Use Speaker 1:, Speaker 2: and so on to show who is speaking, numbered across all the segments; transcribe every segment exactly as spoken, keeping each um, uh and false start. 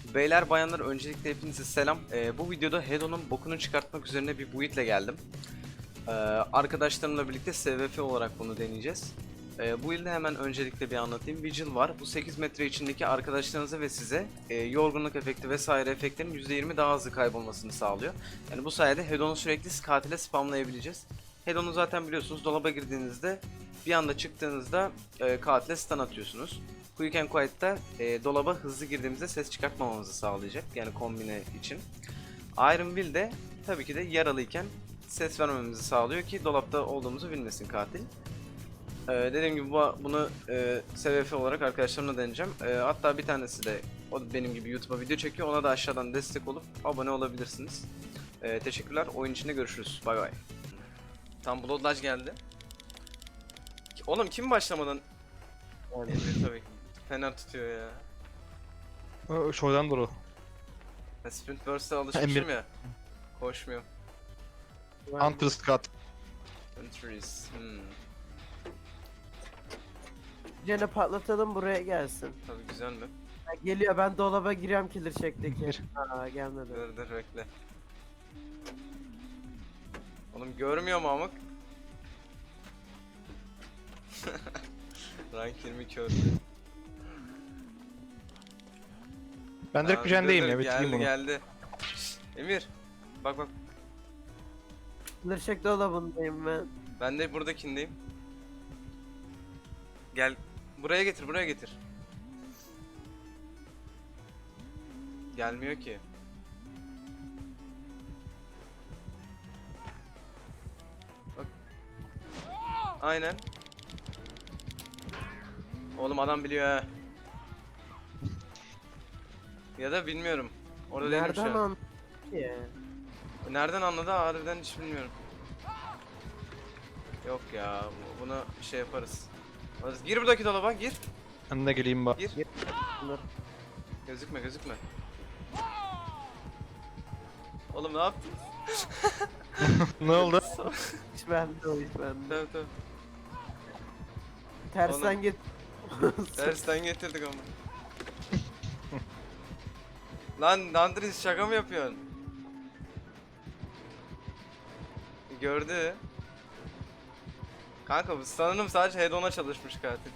Speaker 1: Beyler bayanlar öncelikle hepinize selam. Ee, bu videoda Hedon'un bokunu çıkartmak üzerine bir build'le geldim. Ee, arkadaşlarımla birlikte S V F olarak bunu deneyeceğiz. Ee, bu build'i hemen öncelikle bir anlatayım. Vigil var. Bu sekiz metre içindeki arkadaşlarınıza ve size e, yorgunluk efekti vesaire efektlerin yüzde yirmi daha hızlı kaybolmasını sağlıyor. Yani bu sayede Hedon'u sürekli katile spamlayabileceğiz. Hedon'u zaten biliyorsunuz, dolaba girdiğinizde bir anda çıktığınızda e, katile stun atıyorsunuz. Quick and Quiet'ta e, dolaba hızlı girdiğimizde ses çıkartmamamızı sağlayacak. Yani kombine için. Iron Will de tabii ki de yaralıyken ses vermemizi sağlıyor ki dolapta olduğumuzu bilmesin katil. Ee, dediğim gibi bu, bunu e, S V F olarak arkadaşlarımla deneyeceğim. E, hatta bir tanesi de o da benim gibi YouTube'a video çekiyor. Ona da aşağıdan destek olup abone olabilirsiniz. E, teşekkürler. Oyun içinde görüşürüz. Bay bay. Tam Bloodlodge geldi. Oğlum kim başlamadan? Emir tabii ki. Fener tutuyor ya.
Speaker 2: O şuradan doğru.
Speaker 1: Ben Sprint Burst'a alışmışım
Speaker 2: Emir.
Speaker 1: ya. Koşmuyorum.
Speaker 2: Hunter Scott.
Speaker 1: Entries. Hmm.
Speaker 3: Gene patlatalım, buraya gelsin.
Speaker 1: Tabii güzel mi?
Speaker 3: Ha, geliyor, ben dolaba giriyorum killer check'teki.
Speaker 2: Gir.
Speaker 3: Aa, gelmedi.
Speaker 1: Dur dur bekle. Oğlum görmüyor mu amık? Rank yirmi kördü.
Speaker 2: Ben direkt
Speaker 1: Aa,
Speaker 2: Gücen'deyim
Speaker 1: dur,
Speaker 2: ya,
Speaker 1: dur,
Speaker 2: bitireyim
Speaker 1: geldi,
Speaker 2: bunu.
Speaker 1: Geldi Şşt, Emir. Bak bak.
Speaker 3: Killer check dolabındayım ben.
Speaker 1: Ben de buradakindeyim. Gel. Buraya getir, buraya getir. Gelmiyor ki. Bak. Aynen. Oğlum adam biliyor ha. Ya da bilmiyorum. Orada değilim şu
Speaker 3: Nereden
Speaker 1: an.
Speaker 3: an? ki?
Speaker 1: Nereden anladı harbiden hiç bilmiyorum. Yok ya, bu- bunu şey yaparız. Alırız. Gir buradaki dolaba, gir.
Speaker 2: Ben de geleyim bak.
Speaker 1: Gir.
Speaker 3: Dur.
Speaker 1: Gözükme, gözükme. Oğlum ne yaptın?
Speaker 2: Ne oldu?
Speaker 3: Hiç bende o, hiç bende.
Speaker 1: Tabii tabii.
Speaker 3: Tersten
Speaker 1: Oğlum.
Speaker 3: git.
Speaker 1: Dersten getirdik ama. Lan Dandris şaka mı yapıyorsun? Gördü. Kanka bu sanırım sadece head-on'a çalışmış katil.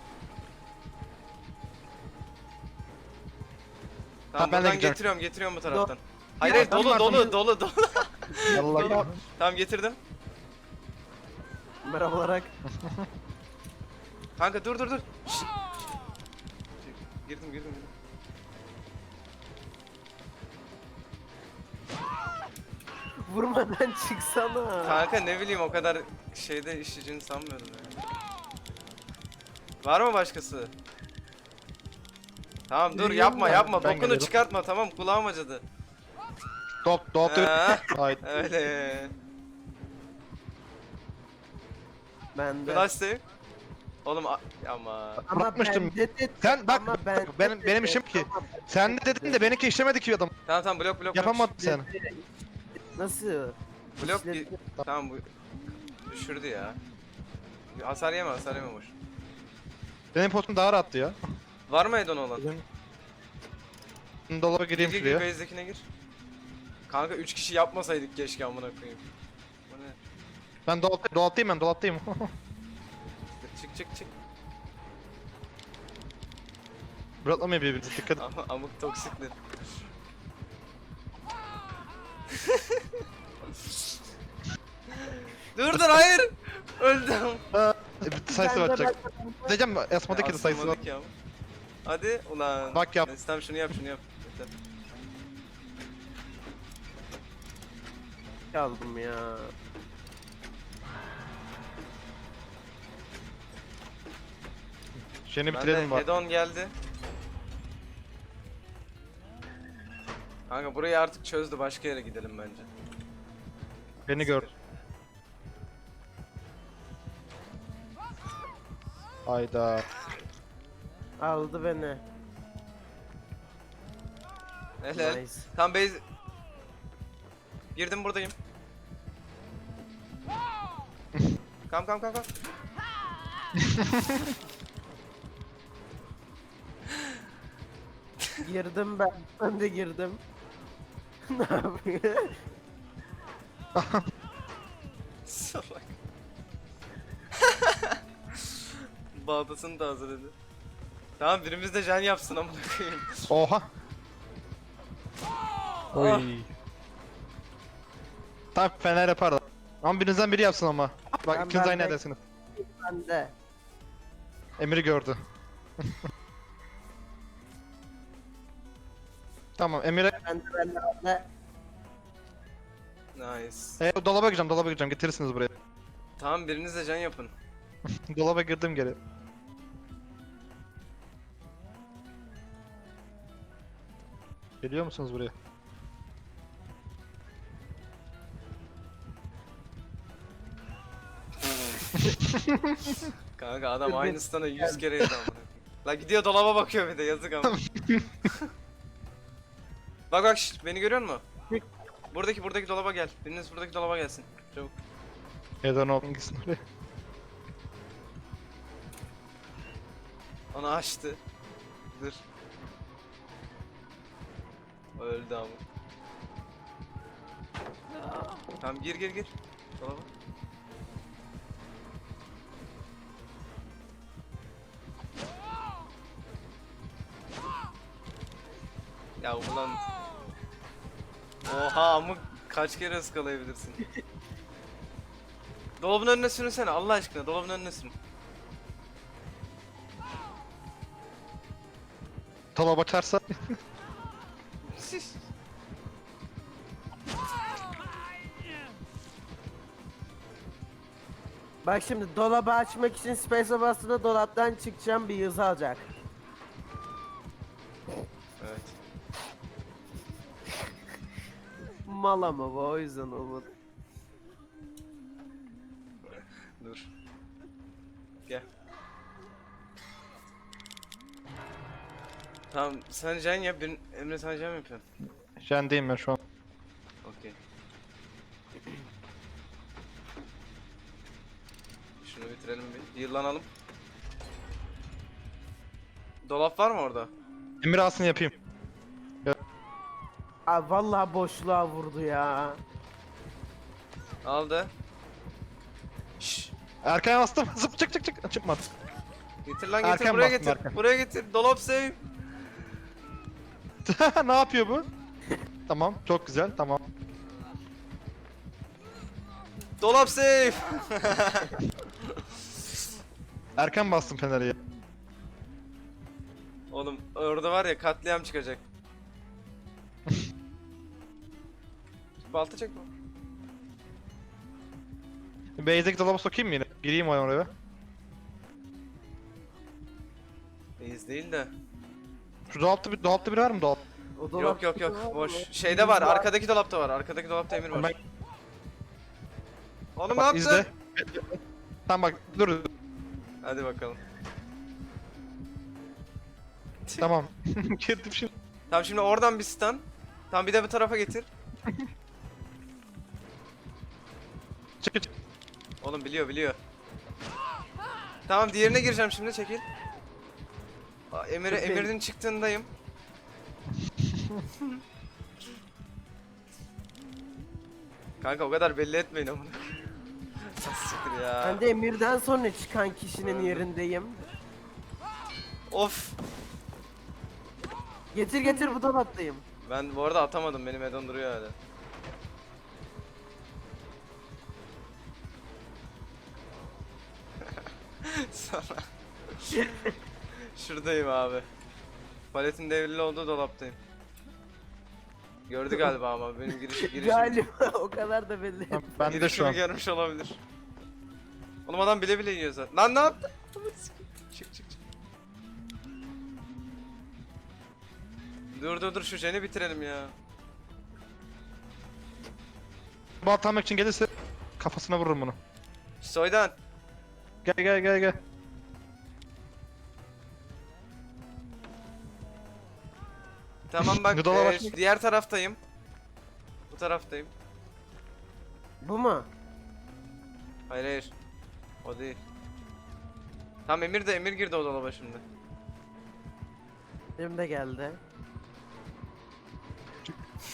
Speaker 1: Tamam,
Speaker 2: Ha, ben de
Speaker 1: buradan
Speaker 2: gideceğim.
Speaker 1: getiriyorum, getiriyorum bu taraftan.
Speaker 3: Do-
Speaker 1: Hayır,
Speaker 3: Ya,
Speaker 1: hayır, dolu,
Speaker 2: adamlar
Speaker 1: dolu,
Speaker 2: bunu-
Speaker 1: dolu, dolu.
Speaker 2: Allah ya.
Speaker 1: Tamam, getirdim.
Speaker 3: Merhaba olarak.
Speaker 1: Kanka dur, dur, dur. Şşt. Girdim, girdim, girdim.
Speaker 3: Vurmadan çıksana.
Speaker 1: Kanka ne bileyim, o kadar şeyde işleyeceğini sanmıyorum ya. Var mı başkası? Tamam dur, yapma
Speaker 2: Ben-
Speaker 1: yapma,
Speaker 2: ben
Speaker 1: bokunu
Speaker 2: geliyorum.
Speaker 1: çıkartma, tamam, kulağım acıdı.
Speaker 2: Dolap, dolap
Speaker 1: Ha,
Speaker 2: Haydi.
Speaker 1: öyle.
Speaker 3: Ben de.
Speaker 1: Flash save. Oğlum a- ama
Speaker 3: Ama
Speaker 2: Bırakmıştım.
Speaker 3: ben dedi-
Speaker 2: Sen bak,
Speaker 3: ama
Speaker 2: bak, benim, benim işim ki. Sen de dedin de benimki işlemedi ki adam.
Speaker 1: tamam tamam, blok blok.
Speaker 2: Yapamadın sen.
Speaker 3: Nasıl?
Speaker 1: Blok. Blok
Speaker 3: İşledi.
Speaker 1: tamam, bu düşürdü ya. Hasar yeme, hasar yeme boş.
Speaker 2: Benim potum daha rahattı ya.
Speaker 1: Var mı Edon olan?
Speaker 2: Benim dolaba
Speaker 1: Gir
Speaker 2: gireyim
Speaker 1: gir gir,
Speaker 2: şuraya.
Speaker 1: base'dekine gir. Kanka üç kişi yapmasaydık keşke, amına koyayım. Bu ne?
Speaker 2: Ben dolap, dolaptayım ben dolaptayım.
Speaker 1: Çık çık çık.
Speaker 2: Bıraklamıyor birbirimizi, dikkat et.
Speaker 1: Ama amık toksikli. Dur dur, hayır. Öldüm.
Speaker 2: E, bir sayısı
Speaker 3: Ben de-
Speaker 2: atacak.
Speaker 3: ben de-
Speaker 2: Diyeceğim Esma'daki de sayısı var.
Speaker 1: Asılmadık ya. Hadi ulan.
Speaker 2: Bak yap.
Speaker 1: Nestem şunu yap, şunu yap. Yeter.
Speaker 3: Çaldım ya.
Speaker 2: Şeyini
Speaker 1: Ben de
Speaker 2: bitirelim bak.
Speaker 1: head-on geldi. Kanka burayı artık çözdü, başka yere gidelim bence.
Speaker 2: Beni gör. Hayda.
Speaker 3: Aldı beni.
Speaker 1: Helal.
Speaker 3: Nice.
Speaker 1: Tam base... Girdim, buradayım. Kam kam kam kam.
Speaker 3: Girdim ben. Ben de girdim. Ne yapıyor?
Speaker 1: Salak. Baltasını da hazırladı. Tamam birimiz de can yapsın amına koyayım.
Speaker 2: Oha. Oy.
Speaker 1: Ah.
Speaker 2: Tamam Fener yapar da. Ama birinizden biri yapsın ama. Bak
Speaker 3: Ben-
Speaker 2: ikiniz
Speaker 3: ben
Speaker 2: aynı
Speaker 3: de-
Speaker 2: yerdesiniz.
Speaker 3: Ben de.
Speaker 2: Emir'i gördü. Tamam Emir'e
Speaker 3: Ben de ben de ben de.
Speaker 1: Nice.
Speaker 2: e, dolaba gireceğim dolaba gireceğim getirirsiniz buraya.
Speaker 1: Tamam biriniz de can yapın.
Speaker 2: Dolaba girdim geri. Geliyor musunuz buraya?
Speaker 1: Kanka adam aynısından yüz kere yedi amına koyayım. La gidiyor dolaba bakıyor bir de yazık ama. Bak bak şşt, beni görüyor musun? Buradaki buradaki dolaba gel. Biriniz buradaki dolaba gelsin. Çabuk.
Speaker 2: Neden oldun gitsin oraya?
Speaker 1: Onu açtı. Dur. Öldü ama. Tamam gir gir gir. Dolaba. Ya ulan. Oha amık kaç kere ıskalayabilirsin? Dolabın önüne sürünsene Allah aşkına dolabın önüne sürün.
Speaker 2: Dolaba açarsa
Speaker 3: Bak şimdi dolabı açmak için space'e bastığında dolaptan çıkacağım bir yazı alacak.
Speaker 1: Evet.
Speaker 3: Mal ama bu o yüzden olmadı.
Speaker 1: Dur. Gel. Tamam sen can yap, bir Emre sen can mı yapıyorsun?
Speaker 2: jendeyim ben şu an.
Speaker 1: Okey. Şunu bitirelim bir. Yıllanalım. Dolap var mı orada?
Speaker 2: Emir alsın yapayım.
Speaker 3: Abi vallahi boşluğa vurdu ya.
Speaker 1: Aldı. Şşş.
Speaker 2: Erken bastım. Zıp çık çık çık. Çıkmadı.
Speaker 1: Getir lan getir
Speaker 2: Erken
Speaker 1: buraya
Speaker 2: bastım,
Speaker 1: getir.
Speaker 2: erken.
Speaker 1: Buraya getir. Dolap save.
Speaker 2: Ne yapıyor bu? Tamam çok güzel tamam.
Speaker 1: Dolap save.
Speaker 2: Erken bastım Fener'e ya.
Speaker 1: Oğlum orada var ya katliam çıkacak. Balta çekme.
Speaker 2: Base'deki dolaba sokayım mı yine? Gireyim o oraya.
Speaker 1: Reis değil de.
Speaker 2: Şu dolapta bir dolapta biri var mı dolap?
Speaker 3: O dolap
Speaker 1: Yok yok yok
Speaker 3: var
Speaker 1: boş.
Speaker 3: mı?
Speaker 1: Şeyde var arkadaki dolapta var. Arkadaki dolapta Emir var.
Speaker 2: Ben,
Speaker 1: Oğlum ne
Speaker 2: bak
Speaker 1: yaptın?
Speaker 2: izle. Tamam bak dur.
Speaker 1: Hadi bakalım.
Speaker 2: Tamam. Girdim şimdi.
Speaker 1: Tamam şimdi oradan bir stun. Tamam bir de bu tarafa getir.
Speaker 2: Çık çık.
Speaker 1: Oğlum biliyor biliyor. Tamam diğerine gireceğim şimdi çekil. Aa, Emir'e
Speaker 3: Çok iyi.
Speaker 1: Emir'in çıktığındayım. Kanka o kadar belli etmeyin amına. Siktir ya.
Speaker 3: Ben de Emir'den sonra çıkan kişinin
Speaker 1: Öldüm.
Speaker 3: yerindeyim.
Speaker 1: Of.
Speaker 3: Getir getir bu dolaptayım.
Speaker 1: Ben bu arada atamadım benim Edon duruyor hala. Sonra. Şuradayım abi. Paletin devrili olduğu dolaptayım. Gördü galiba ama benim giriş girişim.
Speaker 3: Galiba o kadar da belli.
Speaker 2: Tamam, ben de şu
Speaker 1: girişimi
Speaker 2: an.
Speaker 1: görmüş olabilir. Oğlum adam bile bile yiyor zaten. Lan ne yaptın? Çık çık çık. Dur dur dur şu jeni bitirelim ya.
Speaker 2: Balta almak için gelirse kafasına vururum bunu.
Speaker 1: Soydan.
Speaker 2: Gel gel gel gel.
Speaker 1: Tamam bak
Speaker 2: Gıdalar
Speaker 1: e,
Speaker 2: açmak-
Speaker 1: diğer taraftayım. Bu taraftayım.
Speaker 3: Bu mu?
Speaker 1: Hayır hayır. O değil. Tamam Emir de Emir girdi o dolaba şimdi.
Speaker 3: Benim de geldi.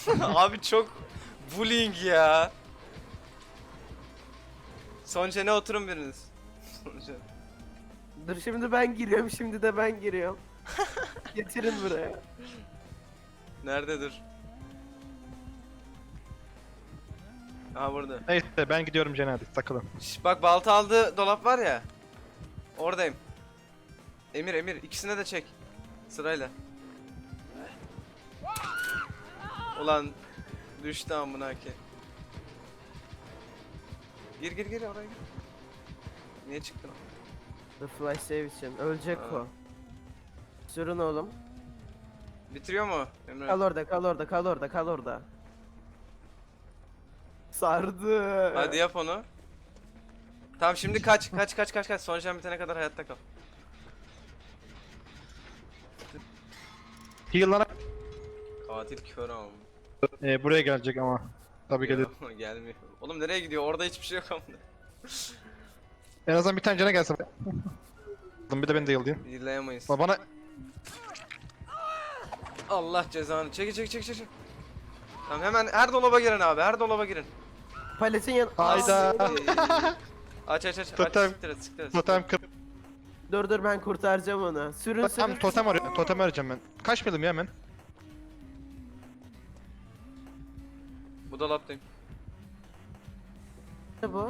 Speaker 1: Abi çok bullying ya. Son çene oturun biriniz. Son çene.
Speaker 3: Dur şimdi ben giriyorum, şimdi de ben giriyorum. Getirin buraya.
Speaker 1: Nerede dur? Aha burada.
Speaker 2: Neyse ben gidiyorum Cene hadi takılın.
Speaker 1: Şş, bak balta aldığı dolap var ya. Oradayım. Emir Emir ikisine de çek. Sırayla. Ulan düştü amına ki. Gir gir gir oraya gir. Niye çıktın?
Speaker 3: The flash save için. Ölecek
Speaker 1: Ha.
Speaker 3: o. Sürün oğlum.
Speaker 1: Bitiriyor mu Emre?
Speaker 3: Kal orada, kal orada, kal orada, kal orada. Sardı.
Speaker 1: Hadi yap onu. Tamam şimdi kaç kaç kaç kaç kaç son jam bitene kadar hayatta kal.
Speaker 2: Heal'lara
Speaker 1: Katil kör ama.
Speaker 2: e, buraya gelecek ama. Tabii gelir.
Speaker 1: Gelmiyor. Oğlum nereye gidiyor? Orada hiçbir şey yok ama.
Speaker 2: En azından bir tane Cene gelsin. Bir de ben de heal'layayım.
Speaker 1: Dinleyemeyiz.
Speaker 2: Bana
Speaker 1: Allah cezanı. Çekil çekil çekil çekil. Tamam hemen her dolaba girin abi. Her dolaba girin.
Speaker 3: Paletin yan...
Speaker 2: Hayda.
Speaker 1: Aç aç aç.
Speaker 2: Totem.
Speaker 1: Aç siktir et siktir et.
Speaker 2: totem kır.
Speaker 3: Dur dur ben kurtaracağım onu. Sürün
Speaker 2: Tam
Speaker 3: sürün.
Speaker 2: totem arıyorum. Totem arayacağım ben. Kaç milim ya hemen?
Speaker 1: Bu dolaptayım.
Speaker 3: Ne bu?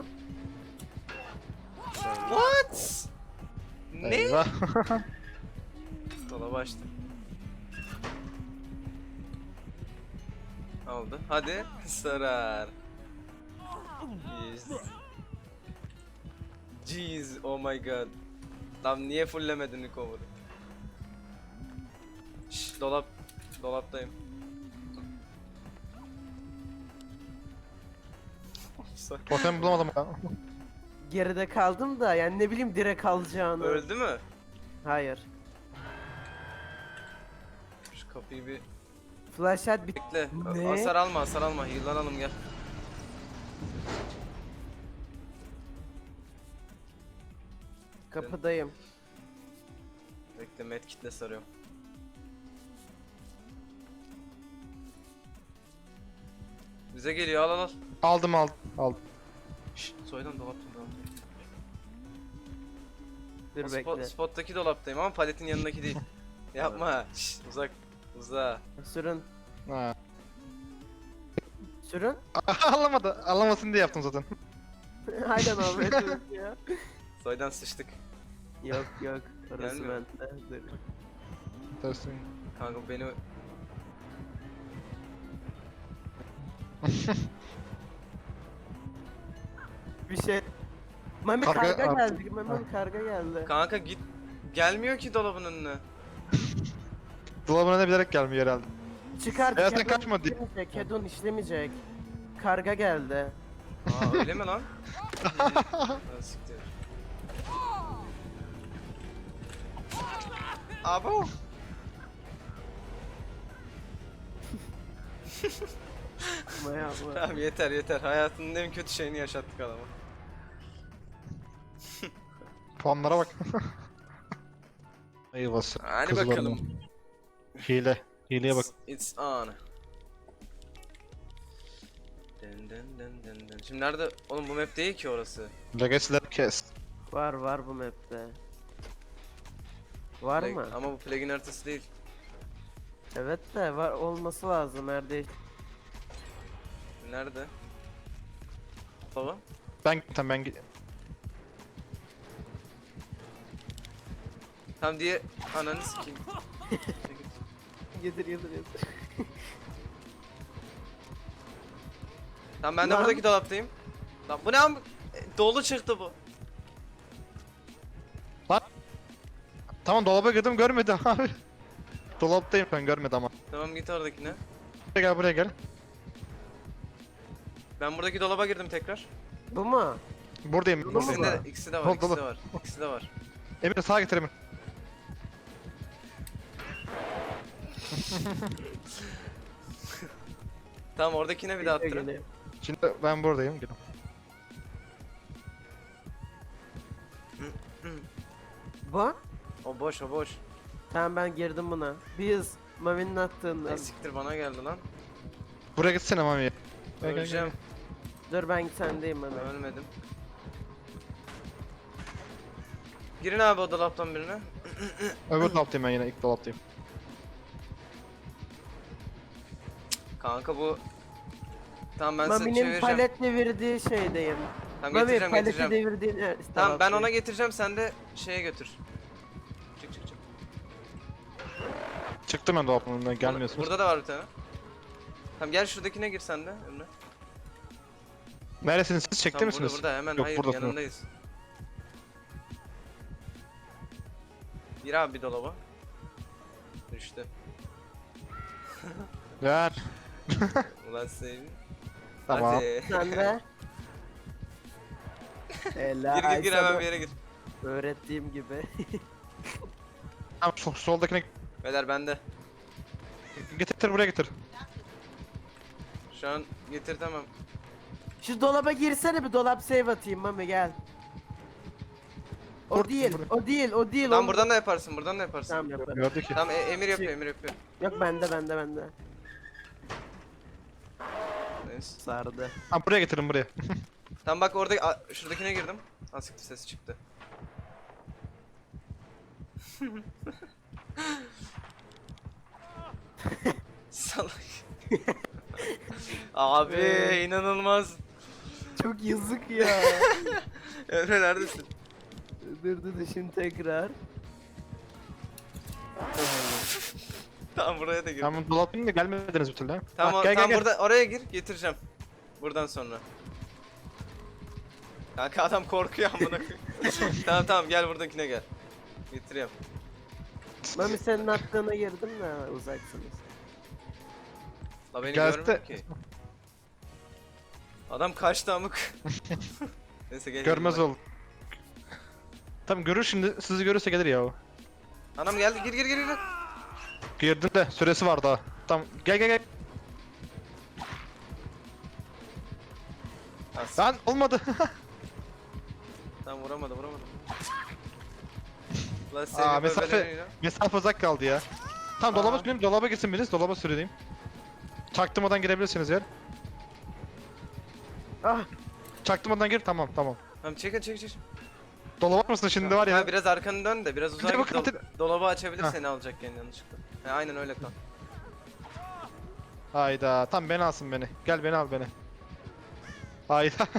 Speaker 1: What? Ne?
Speaker 2: Eyvah.
Speaker 1: Dolabı açtım. Oldu. Hadi sarar. Yes. Jeez, oh my god. Lan niye fulllemedin recover'ı? Şşş dolap. Dolaptayım.
Speaker 2: Totem bulamadım ya.
Speaker 3: Geride kaldım da yani ne bileyim direkt kalacağını.
Speaker 1: Öldü mü?
Speaker 3: Hayır.
Speaker 1: Şu kapıyı bir
Speaker 3: Flashlight bit...
Speaker 1: bekle.
Speaker 3: Ne?
Speaker 1: Hasar alma, hasar alma. Heal'lanalım gel.
Speaker 3: Kapıdayım.
Speaker 1: Bekle medkitle sarıyorum. Bize geliyor al al al.
Speaker 2: Aldım aldım. Aldım.
Speaker 1: Şşş soydan dolaptayım dolaptayım.
Speaker 3: Dur
Speaker 1: O
Speaker 3: bekle.
Speaker 1: spot, spottaki dolaptayım ama paletin yanındaki değil. Yapma. Şşş uzak. Uza.
Speaker 3: Sürün.
Speaker 2: Ha.
Speaker 3: Sürün.
Speaker 2: Anlamadı. Anlamasın diye yaptım zaten.
Speaker 3: Aynen Ahmet evet ya.
Speaker 1: Soydan sıçtık.
Speaker 3: Yok yok. Orası
Speaker 1: Gelmiyor.
Speaker 3: bende. Dur.
Speaker 2: Dersin.
Speaker 1: Kanka beni...
Speaker 3: Bir şey. Mami
Speaker 2: Karga-
Speaker 3: karga,
Speaker 2: Aa.
Speaker 3: geldi. Mami karga geldi.
Speaker 1: Kanka git. Gelmiyor ki dolabın önüne.
Speaker 2: Dolabına ne bilerek gelmiyor herhalde.
Speaker 3: Çıkar.
Speaker 2: Ya sen
Speaker 3: Kedon
Speaker 2: kaçma diye.
Speaker 3: işlemeyecek, Kedon işlemeyecek. Karga geldi.
Speaker 1: Aa öyle mi lan? Ha, siktir. Abo.
Speaker 3: Maya bu.
Speaker 1: Tamam yeter yeter. Hayatının en kötü şeyini yaşattık adama.
Speaker 2: Puanlara bak. Eyvah.
Speaker 1: Hadi
Speaker 2: kızlar
Speaker 1: bakalım.
Speaker 2: mı? Hile. Hileye bak.
Speaker 1: It's on. Dın dın dın dın dın. Şimdi nerede? Oğlum bu map değil ki orası.
Speaker 2: Legacy'leri kes.
Speaker 3: Var var bu map'te. Var
Speaker 1: Plag-
Speaker 3: mı?
Speaker 1: Ama bu plugin haritası değil.
Speaker 3: Evet de var olması lazım nerede?
Speaker 1: Nerede? Baba.
Speaker 2: Ben tamam ben gi-
Speaker 1: Tam diye ananı sikeyim.
Speaker 3: Yedir yedir yedir.
Speaker 1: Tamam ben de
Speaker 3: Lan.
Speaker 1: buradaki dolaptayım. Lan bu ne am- e, dolu çıktı bu.
Speaker 2: Tamam dolaba girdim görmedim abi. Dolaptayım ben görmedim ama.
Speaker 1: Tamam git oradakine.
Speaker 2: Buraya gel buraya gel.
Speaker 1: Ben buradaki dolaba girdim tekrar.
Speaker 3: Bu mu?
Speaker 2: Buradayım.
Speaker 3: Dolu mu
Speaker 2: buradayım.
Speaker 1: İkisinde
Speaker 3: var?
Speaker 1: de, ikisi de var,
Speaker 2: Dolu,
Speaker 1: ikisi de
Speaker 2: dolu.
Speaker 1: var. İkisi de var.
Speaker 2: Emir sağa getir Emir.
Speaker 1: Tamam oradakine bir daha attırın.
Speaker 3: Geliyor.
Speaker 2: Şimdi ben buradayım. Gelin.
Speaker 3: Bu?
Speaker 1: O boş o boş.
Speaker 3: Tamam ben girdim buna. Biz Mami'nin attığında.
Speaker 1: Ay siktir bana geldi lan.
Speaker 2: Buraya gitsene Mami. Gel, gel, gel.
Speaker 1: Öleceğim.
Speaker 3: Dur ben sendeyim Mami.
Speaker 1: Ölmedim. Girin abi o dolaptan birine.
Speaker 2: Öbür dolaptayım ben yine ilk dolaptayım.
Speaker 1: Kanka bu... Tamam ben size
Speaker 3: Mami'nin
Speaker 1: çevireceğim.
Speaker 3: palet devirdiği şeydeyim.
Speaker 1: Tamam
Speaker 3: Mami
Speaker 1: getireceğim
Speaker 3: paleti
Speaker 1: getireceğim.
Speaker 3: devirdiğin... Evet,
Speaker 1: Tamam ben
Speaker 3: şey.
Speaker 1: ona getireceğim sen de şeye götür. Çık çık çık.
Speaker 2: Çıktım ben dolaptan önünden gelmiyorsunuz.
Speaker 1: Burada da var bir tane. Tamam gel şuradakine gir sen de Emre.
Speaker 2: Neredesiniz siz? Çekti
Speaker 1: Tamam,
Speaker 2: misiniz?
Speaker 1: Burada, burada hemen
Speaker 2: Yok,
Speaker 1: hayır
Speaker 2: buradasın.
Speaker 1: yanındayız. Gir abi bir dolaba. Düştü.
Speaker 2: Ver.
Speaker 1: Ulan seveyim.
Speaker 2: Tamam.
Speaker 1: Hadi.
Speaker 3: Sen de. Helal.
Speaker 1: Gir gir gir
Speaker 3: sana
Speaker 1: hemen bir yere gir.
Speaker 3: öğrettiğim gibi.
Speaker 2: Tamam sol, soldakine
Speaker 1: Beyler bende.
Speaker 2: getir buraya getir.
Speaker 1: Şu an getir tamam.
Speaker 3: Şu dolaba girsene bir dolap save atayım Mami gel. O
Speaker 2: Dur,
Speaker 3: değil,
Speaker 2: buraya.
Speaker 3: o değil, o değil.
Speaker 1: Tamam
Speaker 3: o-
Speaker 1: buradan da yaparsın buradan da yaparsın.
Speaker 3: Tamam yaparım.
Speaker 2: Gördü ki.
Speaker 1: Tamam e- Emir yapıyor Emir yapıyor.
Speaker 3: Yok bende bende bende.
Speaker 1: Neyse.
Speaker 3: Sardı.
Speaker 2: Tamam buraya getirin buraya.
Speaker 1: Tamam bak orada a- şuradakine girdim. Asiktir sesi çıktı. Salak. Abi inanılmaz.
Speaker 3: Çok yazık ya.
Speaker 1: Emre neredesin?
Speaker 3: dur dur dur şimdi tekrar.
Speaker 1: Tamam buraya da gir.
Speaker 2: Tamam dolaptayım da gelmediniz bir türlü ha.
Speaker 1: Tamam,
Speaker 2: Bak,
Speaker 1: o-
Speaker 2: gel,
Speaker 1: tamam
Speaker 2: gel, gel.
Speaker 1: burada oraya gir getireceğim. Buradan sonra. Kanka adam korkuyor amına koyayım. Tamam tamam gel buradakine gel. Getiriyorum.
Speaker 3: Mami senin attığına girdim de uzaksınız.
Speaker 1: La beni
Speaker 2: Gelse-
Speaker 1: görmüyor ki. Adam kaçtı amık. Neyse gel.
Speaker 2: Görmez
Speaker 1: yanıma.
Speaker 2: ol. Tamam görür şimdi sizi görürse gelir ya o.
Speaker 1: Anam geldi gir gir gir gir.
Speaker 2: Girdim de süresi var daha. Tamam gel gel gel.
Speaker 1: As-
Speaker 2: Lan olmadı.
Speaker 1: Tamam vuramadı vuramadı. Lan
Speaker 2: Aa,
Speaker 1: seni
Speaker 2: mesafe-
Speaker 1: böyle
Speaker 2: Mesafe uzak kaldı ya. Tamam dolaba
Speaker 1: Aa.
Speaker 2: süreyim, dolaba girsin biriniz, dolaba süreyim. Çaktırmadan girebilirsiniz yer.
Speaker 3: Ah
Speaker 2: Çaktırmadan gir, tamam tamam.
Speaker 1: Tamam çekin çekin çekin.
Speaker 2: Dolaba mısın şimdi var ya.
Speaker 1: Ha, biraz arkanı dön de biraz uzağa
Speaker 2: Bir de
Speaker 1: git.
Speaker 2: bakın,
Speaker 1: Dol- dolabı açabilir
Speaker 2: Ha.
Speaker 1: seni alacakken yanlışlıkla. He aynen öyle kal.
Speaker 2: Hayda, tam beni alsın beni. Gel beni al beni. Hayda.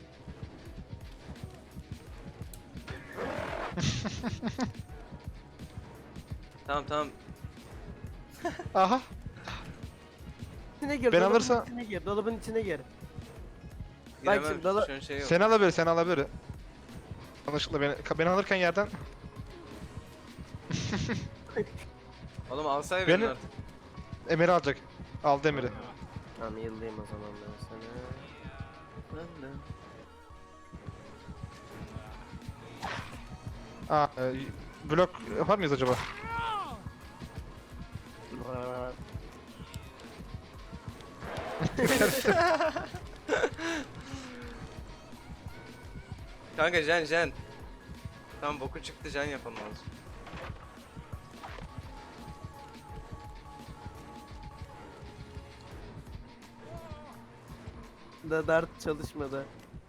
Speaker 1: Tamam tamam.
Speaker 2: Aha.
Speaker 3: içine gir.
Speaker 2: Ben
Speaker 3: dolabın
Speaker 2: alırsa-
Speaker 3: içine gir. Dolabın içine gir.
Speaker 1: Giremem.
Speaker 3: şimdi dala-
Speaker 1: Şu an şey yok.
Speaker 2: Seni alabilir, seni alabilir. Yanlışlıkla beni, beni alırken yerden
Speaker 1: Oğlum alsay
Speaker 2: Beni-
Speaker 1: beni artık.
Speaker 2: Emir'i alacak. Aldı Emir'i.
Speaker 3: Tamam yıldayım o zaman ben sana.
Speaker 2: Aa, e, blok yapar mıyız acaba?
Speaker 1: Kanka Jen Jen. Tamam boku çıktı Jen yapalım lazım.
Speaker 3: Da dart çalışmadı.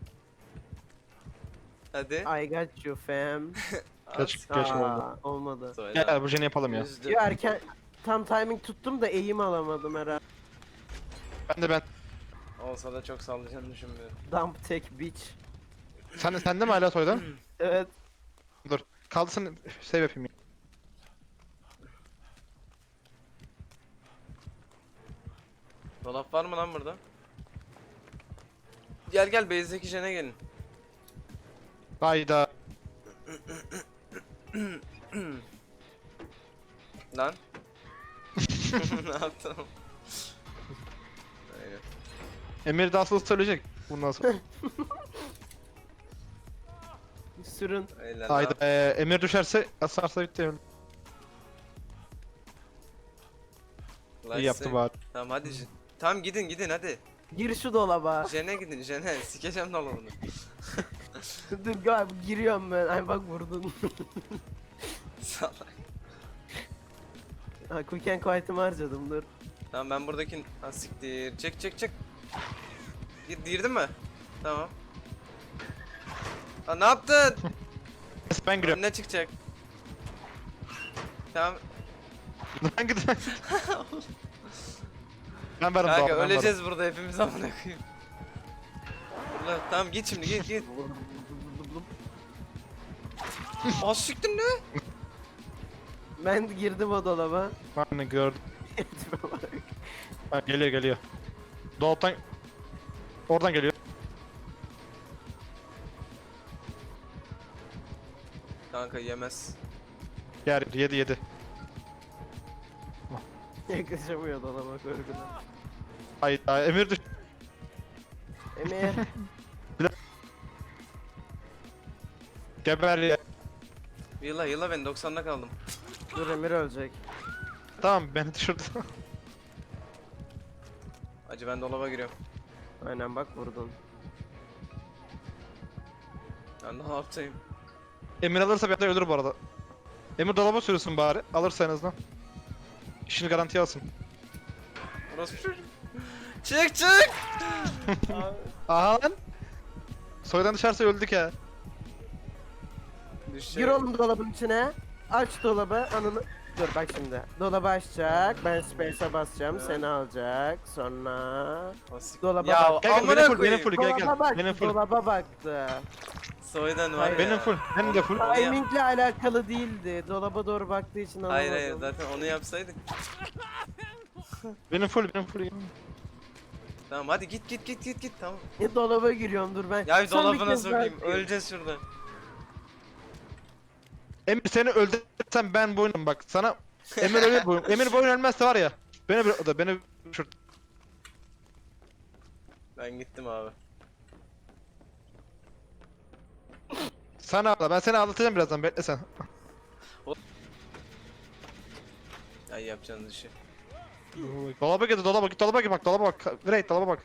Speaker 1: Hadi.
Speaker 3: I got you fam.
Speaker 2: Geç, geç oldu.
Speaker 3: Aa, olmadı.
Speaker 1: Söyle.
Speaker 2: Gel, gel bu jeni yapalım ya.
Speaker 1: Üzdü.
Speaker 3: Yo erken tam timing tuttum da eğim alamadım herhalde.
Speaker 2: Ben de ben.
Speaker 1: Olsa da çok sallayacağını düşünmüyorum.
Speaker 3: Dump tek bitch.
Speaker 2: Sen, sen de mi hala soydan?
Speaker 3: Evet.
Speaker 2: Dur. Kaldırsın, save yapayım. ya.
Speaker 1: Dolap var mı lan burada? Gel gel base'deki Jen'e gelin.
Speaker 2: Hayda.
Speaker 1: Lan. Ne yaptın? Aynen.
Speaker 2: Emir de asıl söyleyecek. Bundan sonra.
Speaker 3: Sürün.
Speaker 1: Eyvallah.
Speaker 2: Hayda. Ee, Emir düşerse, asarsa bitti.
Speaker 1: Lan
Speaker 2: İyi yaptı
Speaker 1: sen-
Speaker 2: bari.
Speaker 1: Tamam hadi. Jen- Tamam gidin gidin hadi.
Speaker 3: Gir şu dolaba.
Speaker 1: Jen'e gidin Jen'e. Sikeceğim dolabını.
Speaker 3: Dur gel giriyorum ben. Ay bak vurdun.
Speaker 1: Salak.
Speaker 3: ha quick and quiet'ımı harcadım dur.
Speaker 1: Tamam ben buradaki... Ha siktir. Çek çek çek. Gir, girdin mi? Tamam. Ha ne yaptın?
Speaker 2: Ben giriyorum.
Speaker 1: Ne çıkacak? Tamam.
Speaker 2: Ben gidiyorum. Ben varım
Speaker 1: Kanka
Speaker 2: doğal, ben
Speaker 1: öleceğiz burada hepimiz amına koyayım. Ulan tamam git şimdi git git. Az siktir ne?
Speaker 3: Ben girdim o dolaba.
Speaker 2: varım. Ben gördüm.
Speaker 3: Tipe bak.
Speaker 2: Ha, geliyor geliyor. Dolaptan... Oradan geliyor.
Speaker 1: Kanka yemez.
Speaker 2: Yer yedi yedi.
Speaker 3: Yaklaşamıyor dolaba korkudan.
Speaker 2: Hayır, hayır Emir düş.
Speaker 3: Emir.
Speaker 2: Geber ya.
Speaker 1: Yıla yıla ben doksanda kaldım.
Speaker 3: Dur Emir ölecek.
Speaker 2: Tamam beni düşürdü.
Speaker 1: Acı ben dolaba giriyorum.
Speaker 3: Aynen bak vurdun.
Speaker 1: Ben ne yapayım?
Speaker 2: Emir alırsa bir anda ölür bu arada. Emir dolaba sürürsün bari. Alırsa en azından. İşini garantiye alsın.
Speaker 1: Orası bir çocuk. Çık çık!
Speaker 2: Aha lan. Soydan dışarısa öldük ya.
Speaker 1: Düşecek.
Speaker 3: Gir oğlum dolabın içine. Aç dolabı anını... Dur bak şimdi. Dolabı açacak. Ben space'e basacağım.
Speaker 1: Evet.
Speaker 3: Seni alacak. Sonra...
Speaker 1: Asik.
Speaker 3: Dolaba
Speaker 1: Ya
Speaker 3: bak.
Speaker 2: Gel gel
Speaker 1: amına
Speaker 2: benim full benim
Speaker 1: koyayım.
Speaker 2: full gel gel.
Speaker 3: Dolaba bak.
Speaker 2: Benim full.
Speaker 3: Dolaba baktı.
Speaker 1: Soydan var
Speaker 3: Hayır,
Speaker 1: ya.
Speaker 2: Benim full. Benim de full.
Speaker 1: Onu yap-
Speaker 3: Timingle alakalı değildi. Dolaba doğru baktığı için anlamadım.
Speaker 1: Hayır hayır zaten onu yapsaydık.
Speaker 2: Benim full benim full.
Speaker 1: Tamam hadi git git git git git tamam.
Speaker 3: Ya dolaba giriyorum dur ben.
Speaker 1: Ya bir
Speaker 3: Son
Speaker 1: dolabına
Speaker 3: kez daha
Speaker 1: sokayım.
Speaker 3: gireyim.
Speaker 1: Öleceğiz şurada.
Speaker 2: Emir seni öldürsem ben bu oyunum bak sana. Emir ölür bu oyun. Emir bu oyun ölmezse var ya. Beni bir- o da beni düşürt.
Speaker 1: Ben gittim abi.
Speaker 2: Sen ağla ben seni ağlatacağım birazdan bekle sen.
Speaker 1: Ay yapacağınız işi.
Speaker 2: Dolaba git dolaba git dolaba git bak dolaba bak. Raid dolaba bak.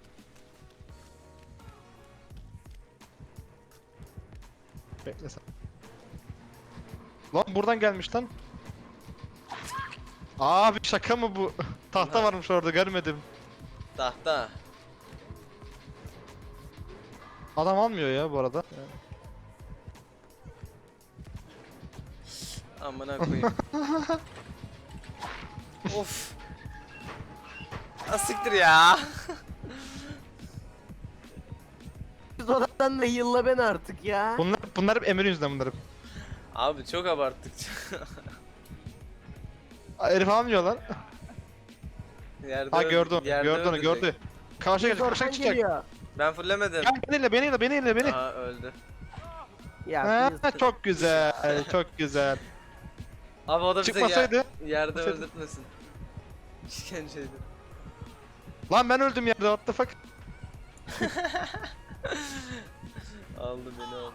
Speaker 2: Bekle sen. Lan buradan gelmiş lan. Abi şaka mı bu? Tahta varmış orada görmedim.
Speaker 1: Tahta.
Speaker 2: Adam almıyor ya bu arada.
Speaker 1: Amına koyayım. Of. Asiktir ya.
Speaker 3: Dolaptan da yılla ben artık ya.
Speaker 2: Bunlar bunlar hep Emir'in yüzünden bunlar hep.
Speaker 1: Abi çok abarttık.
Speaker 2: Aa, herif almıyor lan.
Speaker 1: Yerde
Speaker 2: Ha
Speaker 1: öl-
Speaker 2: gördü onu,
Speaker 1: yerde
Speaker 2: gördü onu,
Speaker 1: öldürecek.
Speaker 2: gördü. Karşıya gelecek,
Speaker 3: Oradan
Speaker 2: karşıya çıkacak.
Speaker 3: geliyor.
Speaker 1: Ben fullemedim.
Speaker 2: Gel beni beni ile, beni ile, beni.
Speaker 1: Aa öldü.
Speaker 3: Ya
Speaker 2: Ha,
Speaker 3: biz-
Speaker 2: çok güzel, çok güzel.
Speaker 1: Abi o da bize
Speaker 2: Çıkmasaydı.
Speaker 1: yer- yerde
Speaker 2: çıkmasaydı.
Speaker 1: öldürtmesin. İşkenceydi.
Speaker 2: Lan ben öldüm yerde, what the fuck.
Speaker 1: Aldı beni aldı.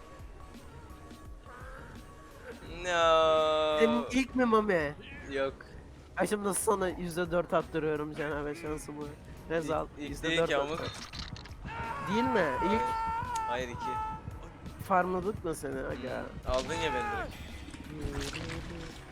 Speaker 1: No.
Speaker 3: Senin ilk mi Mami?
Speaker 1: Yok.
Speaker 3: Ay şimdi nasıl sana yüzde dört attırıyorum cenab-ı şansımı. Rezal
Speaker 1: İlk- ilk
Speaker 3: yüzde
Speaker 1: değil
Speaker 3: dört
Speaker 1: ki ama.
Speaker 3: attı. Değil mi? İlk
Speaker 1: Hayır iki.
Speaker 3: farmladık mı seni aga?
Speaker 1: Aldın ya beni direkt.